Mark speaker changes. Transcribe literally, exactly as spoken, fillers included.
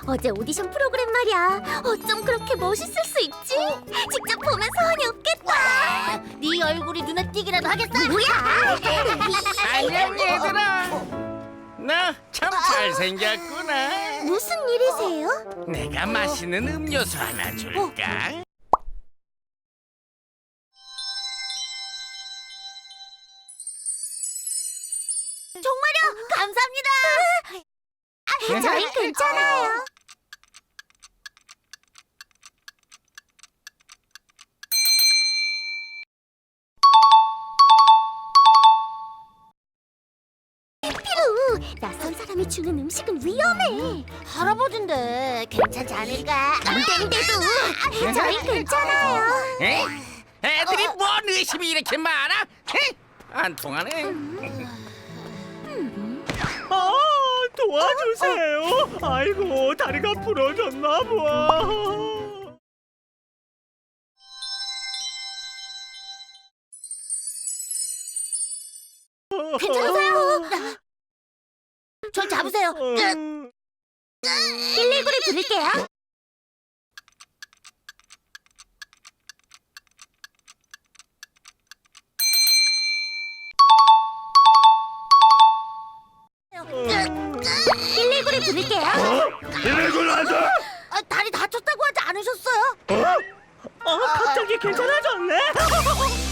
Speaker 1: 어제 오디션 프로그램 말이야. 어쩜 그렇게 멋있을 수 있지? 직접 보면 소원이 없겠다. 네 얼굴이 눈에 띄기라도 하겠어? 뭐야?
Speaker 2: 안녕 얘들아. 나 참 잘생겼구나.
Speaker 1: 무슨 일이세요?
Speaker 2: 내가 마시는 음료수 하나 줄까?
Speaker 1: 정말요? 감사합니다. 아, 저희 괜찮아요. 피루, 낯선 사람이 주는 음식은 위험해. 할아버지인데 괜찮지 않을까? 안 되는데도 저희 괜찮아요.
Speaker 2: 에? 애들이 뭔 의심이 이렇게 많아? 에? 안 통하네.
Speaker 3: 아, 도와주세요. 아이고, 다리가 부러졌나 봐.
Speaker 1: 괜찮으세요? 절 잡으세요.
Speaker 3: 음,
Speaker 1: 일일구를 부를게요. 일일구를 부를게요.
Speaker 3: 이래군 안 돼.
Speaker 1: 아, 다리 다쳤다고 하지 않으셨어요?
Speaker 3: 어? 아, 갑자기 괜찮아졌네.